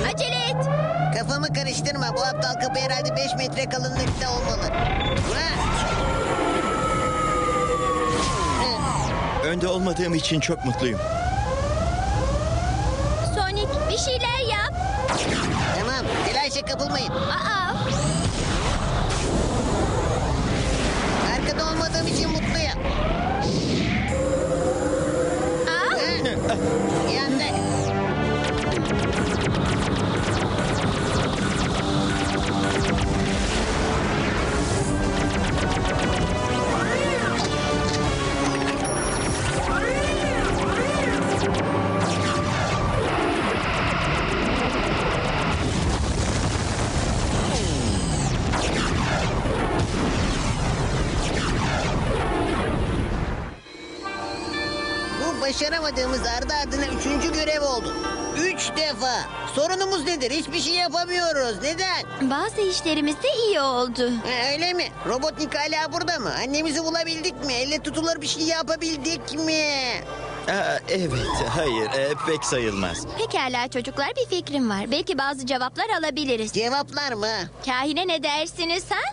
Acele et. Kafamı karıştırma. Bu aptal kapı herhalde 5 metre kalınlıkta olmalı. Önde olmadığım için çok mutluyum. Sonic bir şeyler yap. Tamam, telaşa kapılmayın. Aa, Arkada olmadığım için mutluyum. aa. Yandık. Bu başaramadığımız ardı ardına 3. görev oldu. 3 defa. Sorunumuz nedir? Hiçbir şey yapamıyoruz. Neden? Bazı işlerimiz de iyi oldu. Öyle mi? Robotnik hala burada mı? Annemizi bulabildik mi? Elle tutulur bir şey yapabildik mi? Evet, hayır, pek sayılmaz. Pekala çocuklar, bir fikrim var. Belki bazı cevaplar alabiliriz. Cevaplar mı? Kahine ne dersiniz ha?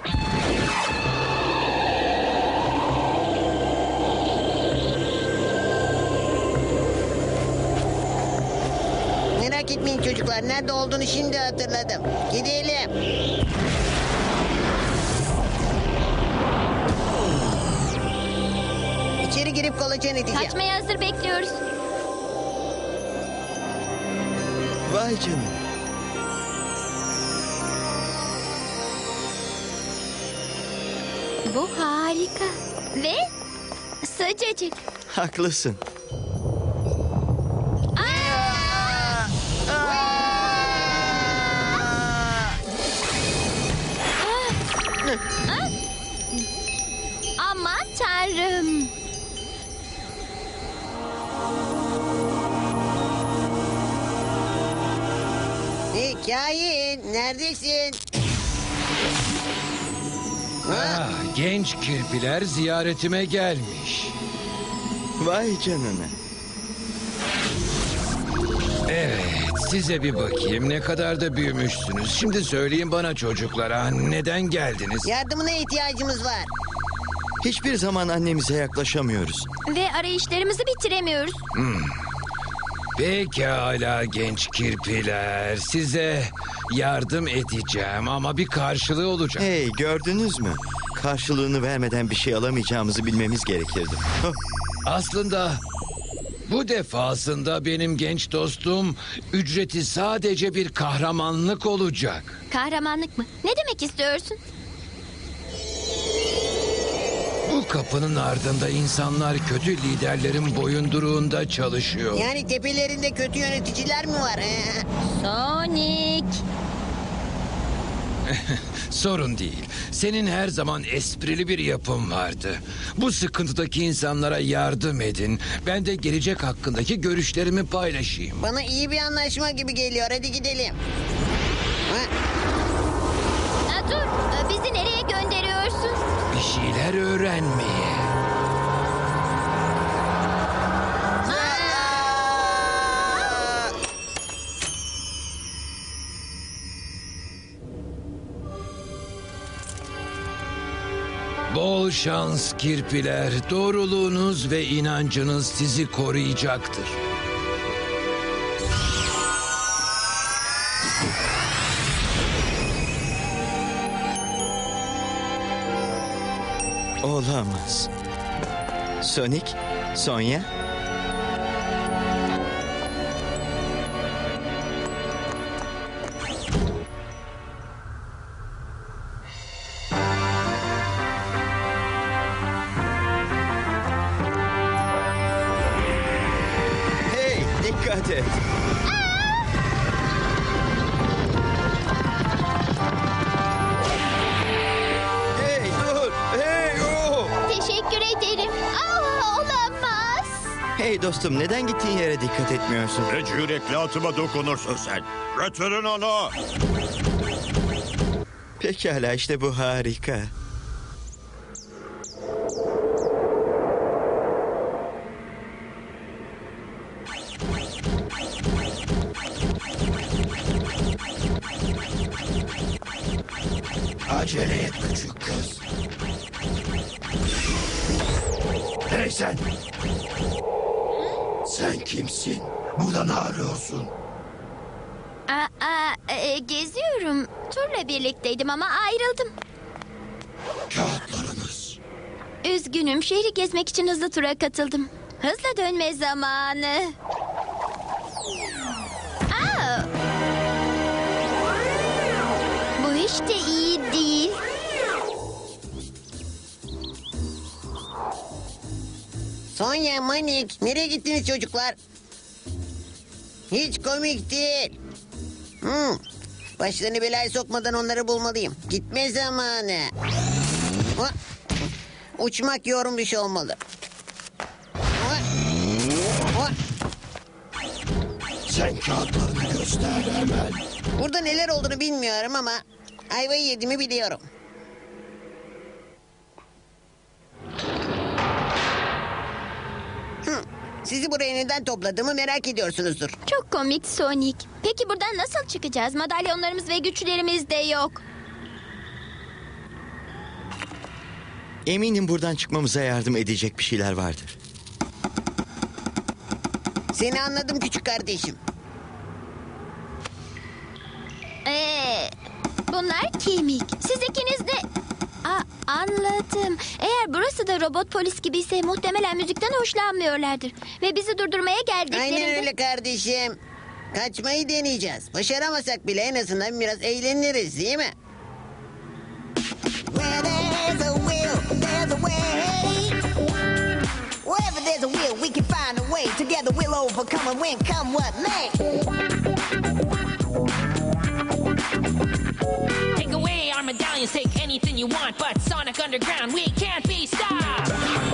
Merak etmeyin çocuklar. Nerede olduğunu şimdi hatırladım. Gidelim. İçeri girip kolaçan edeceğim. Kaçmaya hazır bekliyoruz. Vay canına. Bu harika. Ve sıcacık. Haklısın. Aman tanrım. Hey kain, neredesin? Ha? Genç kirpiler ziyaretime gelmiş. Vay canına. Evet, size bir bakayım ne kadar da büyümüşsünüz. Şimdi söyleyin bana çocuklara neden geldiniz? Yardımına ihtiyacımız var. Hiçbir zaman annemize yaklaşamıyoruz. Ve arayışlarımızı bitiremiyoruz. Pekala genç kirpiler, size yardım edeceğim ama bir karşılığı olacak. Hey, gördünüz mü? Karşılığını vermeden bir şey alamayacağımızı bilmemiz gerekirdi. Hah, Aslında bu defasında benim genç dostum ücreti sadece bir kahramanlık olacak. Kahramanlık mı? Ne demek istiyorsun? Bu kapının ardında insanlar kötü liderlerin boyunduruğunda çalışıyor. Yani tepelerinde kötü yöneticiler mi var? Sonic. Sorun değil. Senin her zaman esprili bir yapın vardı. Bu sıkıntıdaki insanlara yardım edin. Ben de gelecek hakkındaki görüşlerimi paylaşayım. Bana iyi bir anlaşma gibi geliyor. Hadi gidelim. Ha? Dur, bizi nereye gönderiyorsun? Bir şeyler öğrenmeye. Bol şans kirpiler. Doğruluğunuz ve inancınız sizi koruyacaktır. olamaz. Sonic, Sonya. Hey, dikkat et. Hey, dur. Hey, oh. Teşekkür ederim. Olamaz. Hey dostum, neden gittiğin yere dikkat etmiyorsun? Ne cüretle atıma dokunursun sen. Götürün onu. Pekala, işte bu harika. Acele et küçük kız. Hey sen! Sen kimsin? Burada ne arıyorsun? Geziyorum. Turla birlikteydim ama ayrıldım. Kağıtlarınız. Üzgünüm. Şehri gezmek için hızlı tura katıldım. Hızla dönme zamanı. Aa! Bu hiç de iyi değil. Sonya, Manik, nereye gittiniz çocuklar? Hiç komik değil. Başlarını belaya sokmadan onları bulmalıyım. Gitme zamanı. Ha, uçmak yormuş olmalı. Ha, ha. Sen kağıtlarını göster hemen. Burada neler olduğunu bilmiyorum ama ayvayı yediğimi biliyorum. Sizi buraya neden topladığımı merak ediyorsunuzdur. Çok komik Sonic. Peki buradan nasıl çıkacağız? Madalyonlarımız ve güçlerimiz de yok. Eminim buradan çıkmamıza yardım edecek bir şeyler vardır. Seni anladım küçük kardeşim. Bunlar kemik. Siz ikiniz de... Anladım. Eğer burası da robot polis gibiyse muhtemelen müzikten hoşlanmıyorlardır. Ve bizi durdurmaya geldiklerinde... Aynen öyle kardeşim. Kaçmayı deneyeceğiz. Başaramasak bile en azından biraz eğleniriz değil mi? Where there's a will, there's a way. Wherever there's a will, we can find a way. Together we'll overcome and win, come what may. Take away our medallions, take anything you want, but Sonic Underground, we can't be stopped.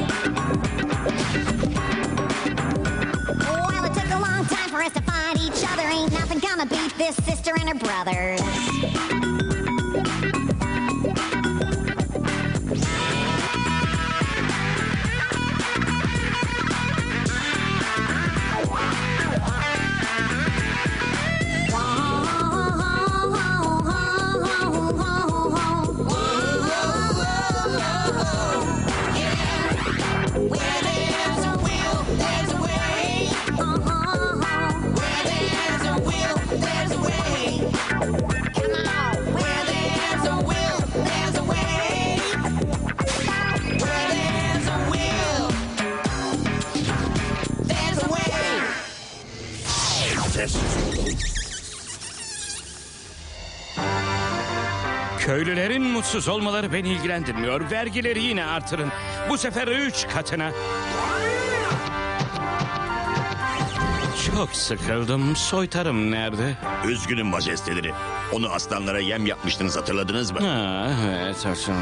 Well, it took a long time for us to find each other. Ain't nothing gonna beat this sister and her brothers. Köylülerin mutsuz olmaları beni ilgilendirmiyor. Vergileri yine artırın. Bu sefer 3 katına. Çok sıkıldım. Soytarım nerede? Üzgünüm majesteleri. Onu aslanlara yem yapmıştınız, hatırladınız mı? Ha, evet.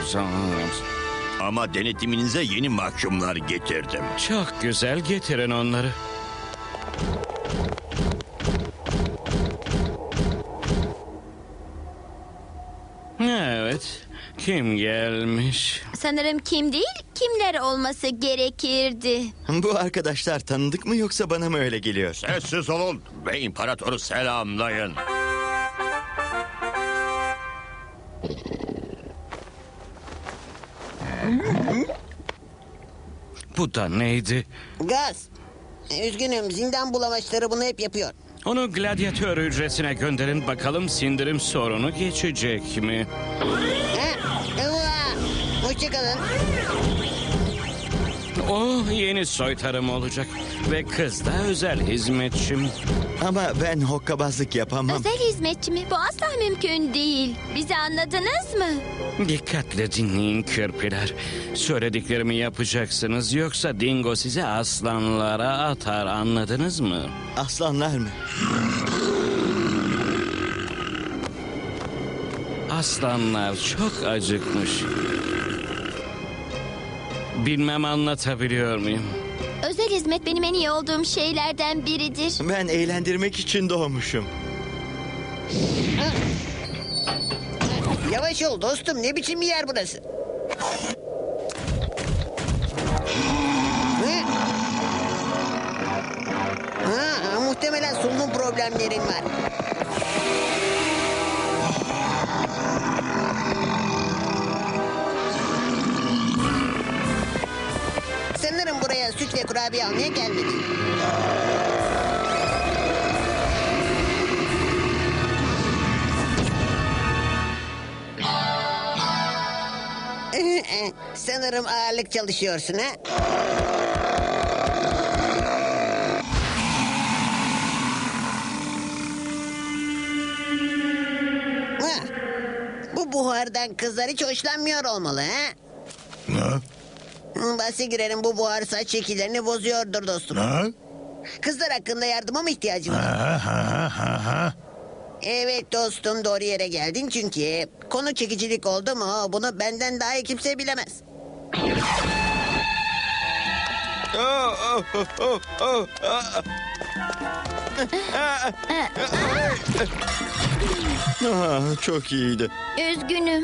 Ama denetiminize yeni mahkumlar getirdim. Çok güzel, getirin onları. Evet. Kim gelmiş? Sanırım kim değil, kimler olması gerekirdi. Bu arkadaşlar tanıdık mı yoksa bana mı öyle geliyor? Sessiz olun ve imparatoru selamlayın. Bu da neydi? Gaz. Üzgünüm, zindan bulamaçları bunu hep yapıyor. Onu gladyatör hücresine gönderin bakalım sindirim sorunu geçecek mi? Hoşçakalın. O yeni soytarım olacak ve kız da özel hizmetçim. Ama ben hokkabazlık yapamam. Özel hizmetçi mi? Bu asla mümkün değil. Bizi anladınız mı? Dikkatle dinleyin kirpiler. Söylediklerimi yapacaksınız yoksa Dingo sizi aslanlara atar, anladınız mı? Aslanlar mı? Aslanlar çok acıkmış. Bilmem anlatabiliyor muyum? Özel hizmet benim en iyi olduğum şeylerden biridir. Ben eğlendirmek için doğmuşum. Yavaş ol dostum, ne biçim bir yer burası? Muhtemelen solunum problemlerin var. kurabiye almaya gelmedi. Sanırım ağırlık çalışıyorsun ha? Ha, bu buhardan kızlar hiç hoşlanmıyor olmalı ha? Ne? Bahse girerim, bu buhar saç şekillerini bozuyordur dostum. Ne? Kızlar hakkında yardıma mı ihtiyacın var? Ha. Evet dostum, doğru yere geldin çünkü konu çekicilik oldu mu bunu benden daha iyi kimse bilemez. Çok iyiydi. Üzgünüm.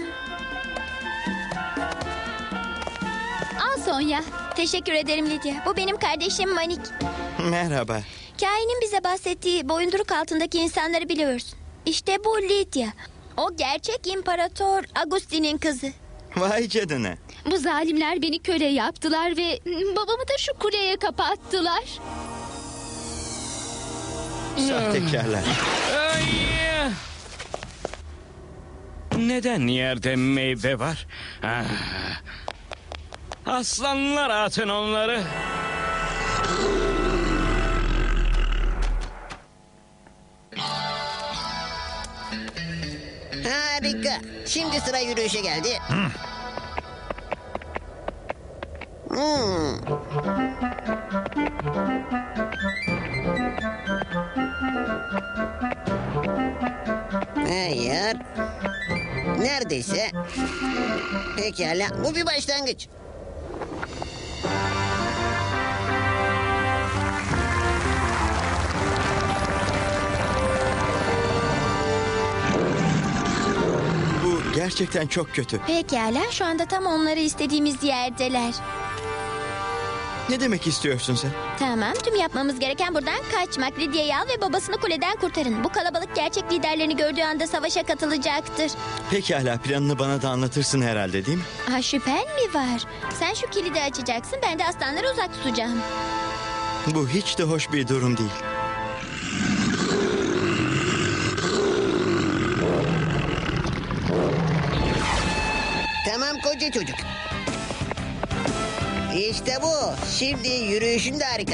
Al Sonya. Teşekkür ederim Lydia. Bu benim kardeşim Manik. Merhaba. Kain'in bize bahsettiği boyunduruk altındaki insanları biliyorsun. İşte bu Lydia. O gerçek imparator Agustin'in kızı. Vay canına. Bu zalimler beni köle yaptılar ve babamı da şu kuleye kapattılar. Sahtekarlar. Ay! Neden yerde meyve var? Ah. Aslanlar atın onları. Harika. Şimdi sıra yürüyüşe geldi. Hmm. Hayır. Neredeyse. Pekala. Bu bir başlangıç. Bu gerçekten çok kötü. Pekala, şu anda tam onları istediğimiz yerdeler. Ne demek istiyorsun sen? Tamam, tüm yapmamız gereken buradan kaçmak. Lydia'yı al ve babasını kuleden kurtarın. Bu kalabalık gerçek liderlerini gördüğü anda savaşa katılacaktır. Pekala, planını bana da anlatırsın herhalde, değil mi? Ha, şüphen mi var? Sen şu kilidi açacaksın, ben de aslanları uzak tutacağım. Bu hiç de hoş bir durum değil. Tamam koca çocuk. İşte bu. Şimdi yürüyüşün de harika.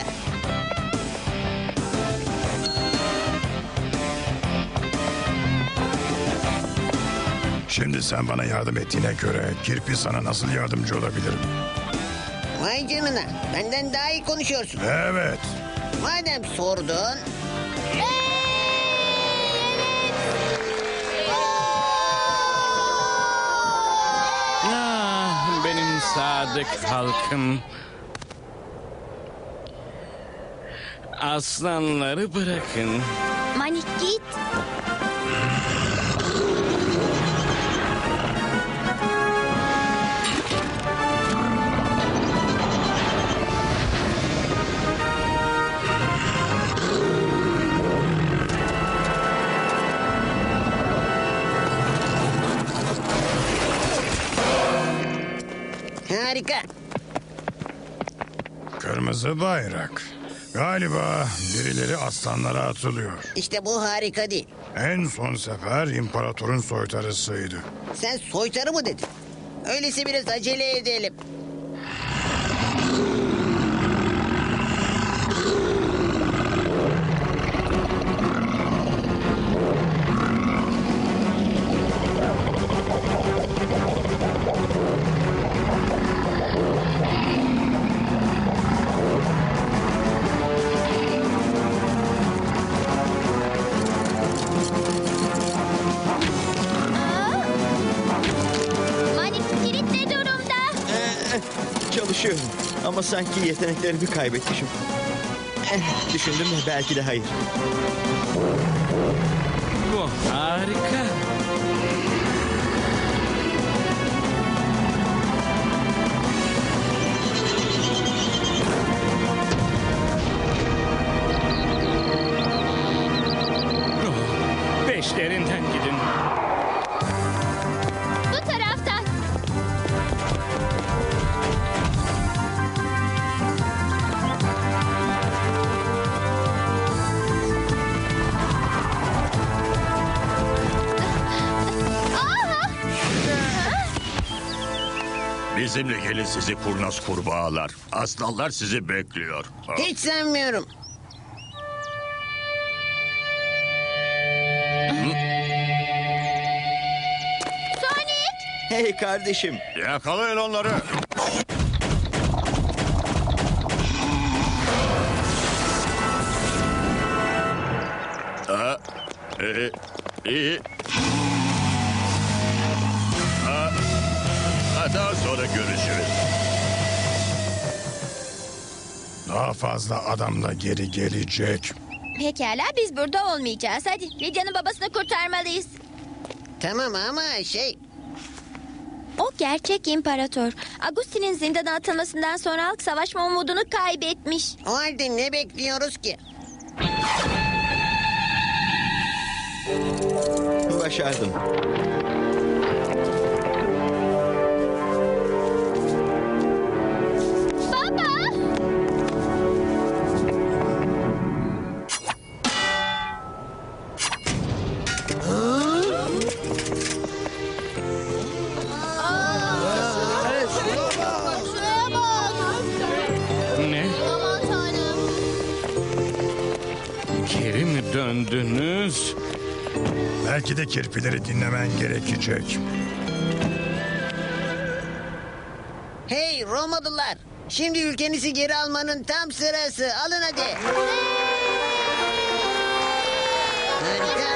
Şimdi sen bana yardım ettiğine göre Kirpi sana nasıl yardımcı olabilirim? Vay canına. Benden daha iyi konuşuyorsun. Evet. Madem sordun. Ah, benim sadık halkım. Aslanları bırakın. Manik git. Harika. Kırmızı bayrak. Galiba birileri aslanlara atılıyor. İşte bu harika değil. En son sefer imparatorun soytarısıydı. Sen soytarı mı dedin? Öyleyse biraz acele edelim. Manik kilit ne durumda? Çalışıyorum ama sanki yeteneklerimi kaybetmişim. Düşündüm de belki de hayır. Bu harika. Oh, peşlerinden gidin. Bu taraftan. Bizimle gelin sizi kurnaz kurbağalar. Aslanlar sizi bekliyor. Hiç sanmıyorum. Sonic! Hey kardeşim. Yakalayın onları. Aa, iyi. Daha sonra görüşürüz. Daha fazla adamla geri gelecek. Pekala biz burada olmayacağız. Hadi Lidya'nın babasını kurtarmalıyız. Tamam ama O gerçek imparator. Agustin'in zindana atılmasından sonra halk savaşma umudunu kaybetmiş. o halde ne bekliyoruz ki? Başardım. Baba! Şuraya bak! Ne? Aman tanrım! Geri mi döndünüz? Belki de kirpileri dinlemen gerekecek. Hey Romalılar! Şimdi ülkenizi geri almanın tam sırası. Alın hadi. Harika.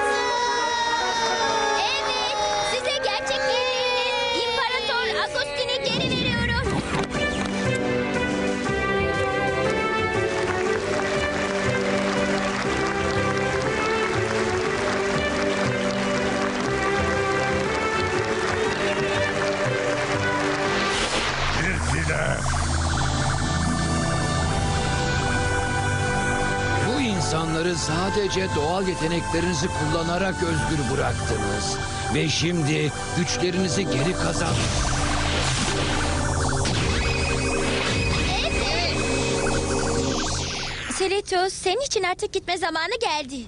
Evet, size gerçek yeğeniniz İmparator Agustin'i geri veriyorum. Kirpiler. Bu insanları sadece doğal yeteneklerinizi kullanarak özgür bıraktınız. Ve şimdi güçlerinizi geri kazan. Selitos, senin için artık gitme zamanı geldi.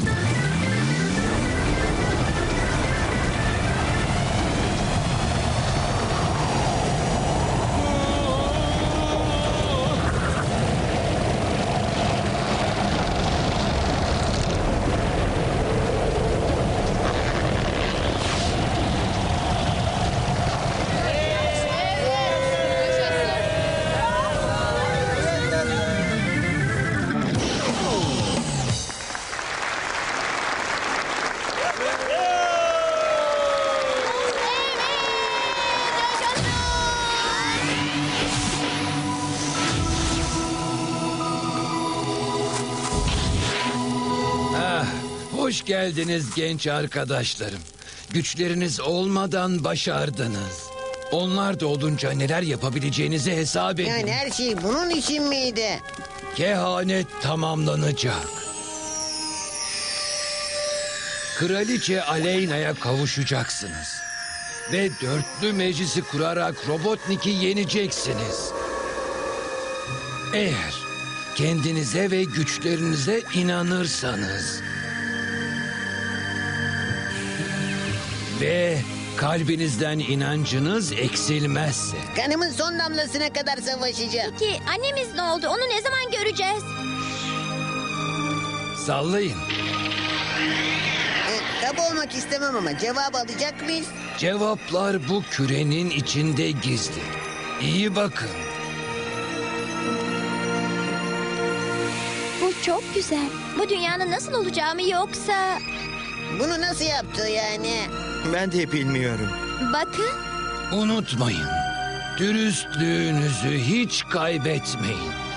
Hoş geldiniz genç arkadaşlarım. Güçleriniz olmadan başardınız. Onlar da olunca neler yapabileceğinizi hesap edin. Yani her şey bunun için miydi? Kehanet tamamlanacak. Kraliçe Aleyna'ya kavuşacaksınız. Ve dörtlü meclisi kurarak Robotnik'i yeneceksiniz. Eğer kendinize ve güçlerinize inanırsanız. Ve kalbinizden inancınız eksilmezse. Kanımın son damlasına kadar savaşacağım. Peki annemiz ne oldu? Onu ne zaman göreceğiz? Sallayın. Kaba olmak istemem ama cevap alacak mıyız? Cevaplar bu kürenin içinde gizli. İyi bakın. Bu çok güzel. Bu dünyanın nasıl olacağımı yoksa... Bunu nasıl yaptı yani? Ben de bilmiyorum. Bakın. Unutmayın. Dürüstlüğünüzü hiç kaybetmeyin.